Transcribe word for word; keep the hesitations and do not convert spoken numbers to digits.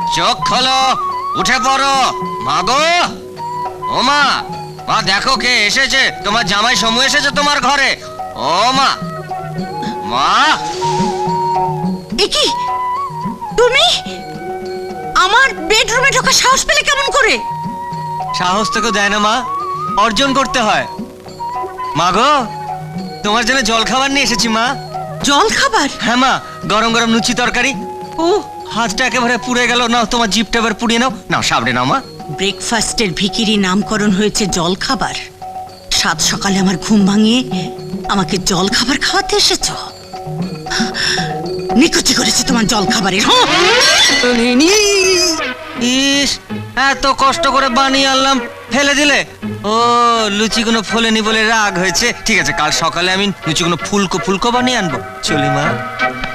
চোখ খোলো, উঠে পড়ো। মা গো, ও মা, মা দেখো কে এসেছে, তোমার জামাই সমু এসেছে তোমার ঘরে। ও মা, মা। এ কি তুমি আমার বেডরুমে ঢোকার সাহস পেলে কেমন করে? সাহস তোকে দেয় না মা, অর্জন করতে হয়। মা গো, তোমার জন্য জল খাবার নিয়ে এসেছি মা। জল খাবার? হ্যাঁ মা, গরম গরম লুচি তরকারি। ও হাতটা একেবারে পুড়ে গেল, নাও তোমার জিভটা এবার পুড়িয়ে নাও। নাও সাবড়ে নাও মা। ব্রেকফাস্টের ভিখিরি নামকরণ হয়েছে জল খাবার। সাত সকালে আমার ঘুম ভাঙিয়ে আমাকে জল খাবার খাওয়াতে এসেছ। নিকুচি করেছে তোমার জল খাবারের। ইস, এত কষ্ট করে বানিয়ে আনলাম, ফেলে দিলে? ও লুচিগুলো ফোলেনি বলে রাগ হয়েছে। ঠিক আছে, কাল সকালে আমি লুচিগুলো ফুলকো ফুলকো বানিয়ে আনবো। চলি মা।